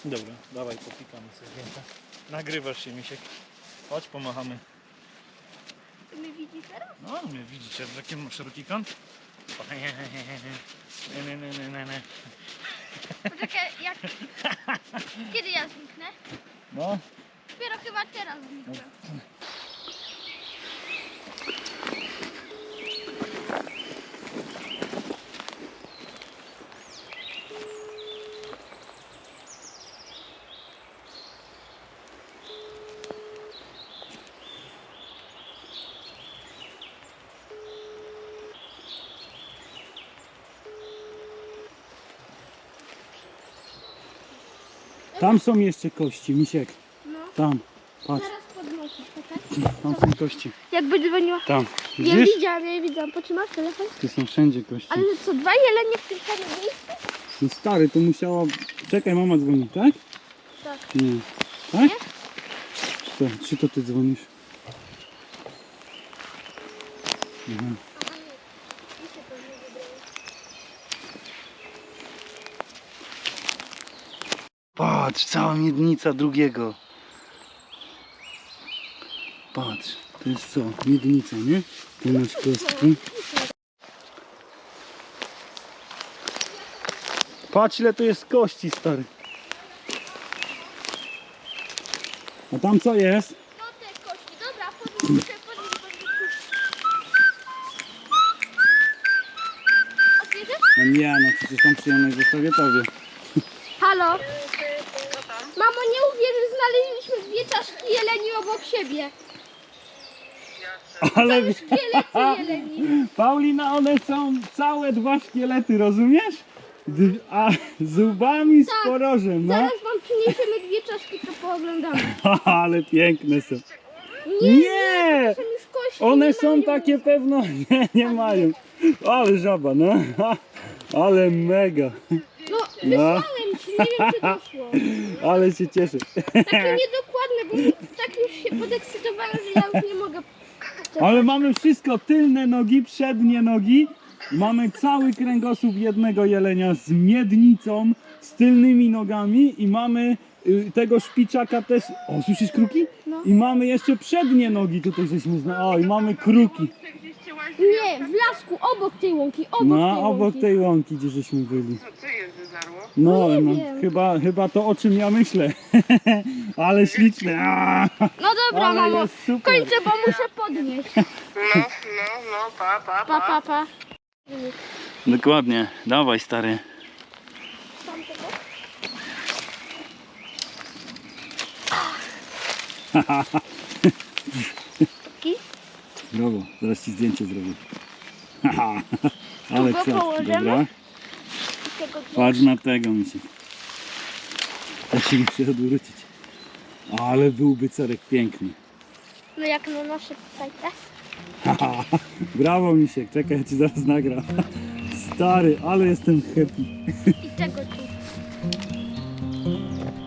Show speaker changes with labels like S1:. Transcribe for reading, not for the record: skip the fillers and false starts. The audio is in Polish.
S1: Dobra, dawaj popikamy sobie zdjęcia. Nagrywasz się, Misiek. Chodź, pomachamy.
S2: Mnie widzi teraz?
S1: No, mnie widzicie, w jakim szeroki kąt?
S2: Poczekaj, jak... Kiedy ja zniknę?
S1: No.
S2: Dopiero chyba teraz zniknę.
S3: Tam są jeszcze kości, Misiek.
S2: No.
S3: Tam, patrz,
S2: Zaraz podnoszę, czekaj.
S3: tam są kości.
S2: Jakby dzwoniła.
S3: Tam,
S2: Ja
S3: widzisz?
S2: widziałam, ja widziałam. Potrzymasz telefon?
S3: Tu są wszędzie kości.
S2: Ale co, dwa jelenie w tym samym miejscu?
S3: No stary, to musiała... Czekaj, mama dzwoni, tak?
S2: Tak.
S3: Nie. Tak? Czy to ty dzwonisz? Aha. Patrz, cała miednica drugiego. Patrz, to jest co? Miednica, nie? Tu masz kostki. Patrz, ile tu jest kości, stary. A tam co jest?
S2: No te kości, dobra, podnieś. Otwierzysz?
S3: No nie, no przecież tą przyjemność zostawię tobie.
S2: Halo? Mamo, nie uwierzysz, znaleźliśmy dwie czaszki jeleni obok siebie.
S3: Ale
S2: Szkielety jeleni.
S3: Paulina, one są całe dwa szkielety, rozumiesz? A zubami z
S2: Tak.
S3: porożem, no.
S2: Zaraz wam przyniesiemy dwie czaszki, to pooglądamy.
S3: Ale piękne są.
S2: Nie!
S3: Nie!
S2: Są już kości,
S3: One
S2: nie
S3: są
S2: mają.
S3: takie pewno, nie mają. Ale żaba, no. Ale mega.
S2: No, wysłałem ci, nie wiem czy doszło.
S3: Ale się cieszę.
S2: Takie niedokładne, bo tak już się podekscytowałem, że ja już nie mogę.
S3: Ale mamy wszystko, tylne nogi, przednie nogi. Mamy cały kręgosłup jednego jelenia z miednicą, z tylnymi nogami i mamy tego szpiczaka też. O, słyszysz kruki?
S2: No.
S3: I mamy jeszcze przednie nogi tutaj żeśmy O, i mamy kruki.
S2: Nie, w lasku, obok tej łąki,
S3: Obok tej łąki, gdzie żeśmy byli.
S4: Co je wyżarło?
S3: No,
S2: nie
S3: no
S2: wiem.
S3: chyba to, o czym ja myślę. Ale śliczne.
S2: No dobra,
S3: Ale
S2: mamo,
S3: jest super.
S2: kończę, bo muszę podnieść.
S4: No, pa.
S3: Dokładnie, dawaj stary. Brawo, zaraz ci zdjęcie zrobię. Ale
S2: go
S3: co,
S2: położymy?
S3: dobra.
S2: Tego
S3: Patrz na tego, Misiek. Ja się muszę odwrócić. Ale byłby cerek piękny.
S2: No jak na nasze tutaj, tak?
S3: Brawo, Misiek, czekaj, ja ci zaraz nagram. Stary, ale jestem happy.
S2: I tego tu.